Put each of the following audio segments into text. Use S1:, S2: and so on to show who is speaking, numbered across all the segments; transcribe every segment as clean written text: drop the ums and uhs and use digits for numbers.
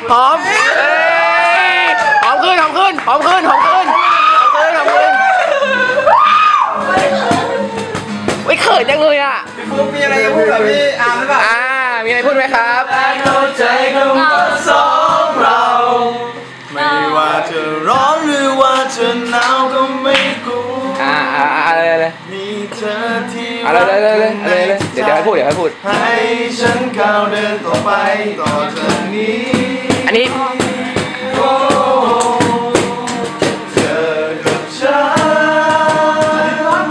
S1: หอมหอมขึ้นหอมขึ้นหอมขึ้นหอมขึ้นหอมขึ้นไม่เขินจังเลยอ่ะ
S2: พี่ฟุ๊กมีอะไรจะพูดกับพี่อาร์มหรือเปล่า
S1: มีอะไรพูดไหมครับ
S2: เข้าใจของสองเราไม่ว่าจะร้อนหรือว่าจะหนาวก็ไม่กลัว
S1: อะไร
S2: มีเธอที่
S1: อะไรเดี๋ยวให้พูด
S2: ให้ฉันก้าวเดินต่อไปต่อจากนี้
S1: อันนี้
S2: เธอกับฉัน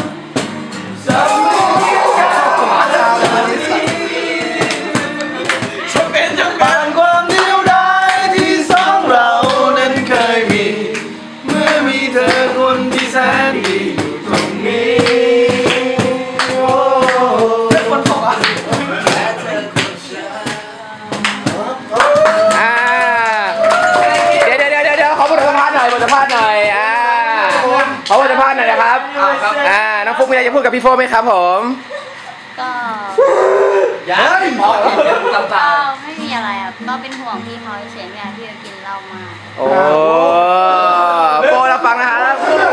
S2: จะเป็นจังหวะความเดียวดายที่สองเรานั้นเคยมีเมื่อมีเธอคนที่แสนดีอยู่ตรงนี้
S1: เดี๋ยวขอบทสัมภาษณ์หน่อยขอบทสัมภาษณ์หน่อยนะครับน้องฟุ๊กมีอะไรจะพูดกับพี่โฟไหมครับผม
S3: ก็ไม่มีอะไรครับก็เป็นห่วงพี่เขาเฉยๆไม่อยากที่จะกินเหล้ามาก
S1: โอ้โฟเราฟังนะครับ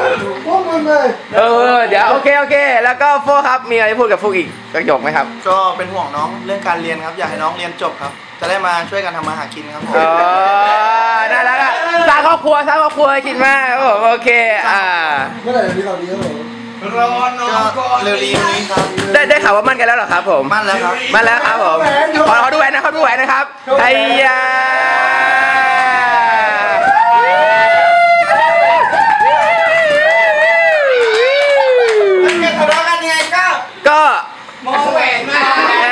S1: เดี๋ยวโอเคแล้วก็โฟครับมีอะไรพูดกับฟุ๊กอีกประโยคไหมครับ
S2: ก็เป็นห่วงน้องเรื่องการเรียนครับอยากให้น้องเรียนจบครับจะได้มาช่วยกันทำมาหากินครับผม
S1: น่ารักอ่ะสร้างครอบครัวให้คิดมากครับผมโอเค
S4: เมื่อไหร่จะมีข่าวดีครับผม
S2: รอน้องก็เร็วๆนี้ครับ
S1: ได้ข่าวว่ามั่นกันแล้วเหรอครับผม
S2: มั่นแล้ว
S1: ครับผมขอดูแหวนนะครับไอ้ยา
S2: ทะเลาะกันยังไง
S1: ก็
S2: มองแหวนมา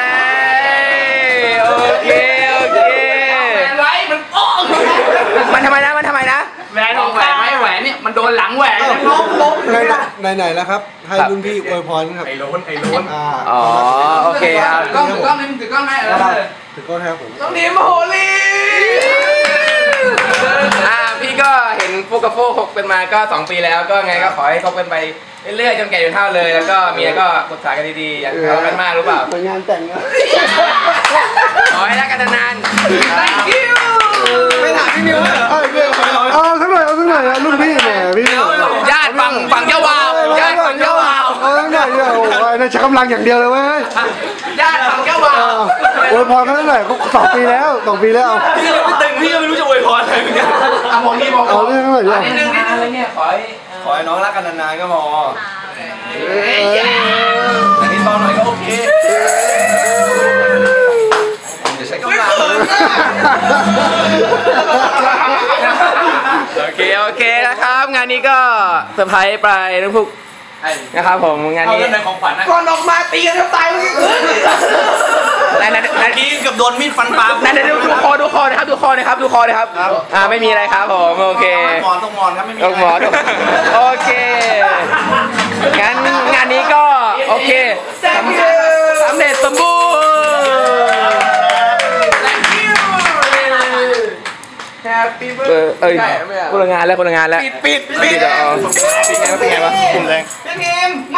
S1: โอเค
S2: ไรมันโป้ง
S1: มันทำไมนะ
S5: แหวนของแหวนไม่แหวนเนี่ยมันโดนหลังแหวน
S4: ล้มไหนแล้วครับให้รุ่นพี่อวยพรครับ
S5: ไอ้โล้น
S1: อ๋อโอเคครับ
S5: ถือกล้องถือกล้องให้
S4: ถือกล้องให้ผม
S1: ต้องดีมโหรีพี่ก็เห็นฟุกกับโฟคบกันมาก็2 ปีแล้วก็ไงก็ขอให้คบกันไปเรื่อยๆจนแก่จนเฒ่าเลยแล้วก็เมียก็ปรึกษากันดีๆอย่าทะเลาะกันมากรู้เปล่าง
S4: านแต่งนะ
S1: ขอให้รักกันนาน Thank you
S2: ไม่ถามพี่มิวเลย
S4: เอาสักหน่อยรุ่นพี่เนี่ยพี่
S1: ญาติฝั่งเจ้าบ่าว
S4: สักหน่อยน่าใช้กำลังอย่างเดียวเลยเว้ย
S1: ญาติฝั่งเจ้าบ่าว
S4: อวยพรกันเท่าไหร่ก็2 ปีแล้ว
S5: พี่ยังไม่ตึงพี่ยังไม่รู้จะอวยพรอะไรเหมือนกัน
S1: มองนี่
S4: เอาเรื่องหน่อย
S1: นิดนึงอะไรเนี่ยขอ
S2: ให้น้องรักกันนานๆก็พออันนี้ตอนหน่อยก็โอเคจะใช้กำลัง
S1: โอเคนะครับงานนี้ก็เซอร์ไพรส์ไปทั้งพวกนะครับผมงานนี้
S2: ในของขวัญนะก่อนออกมาตีกันจะตายเมื่อกี้นาทีกับโดนมีดฟันปาก
S1: ดูคอนะครับไม่มีอะไรครับผมโอเค
S2: ต้องมอนครับไม่มี
S1: ต้องมอนโอเคงานนี้ก็โอเคสำเร็จสมบูรณ์คนละงานแล้ว
S2: ปิด
S1: เป็นไงวะกลุ่มแดง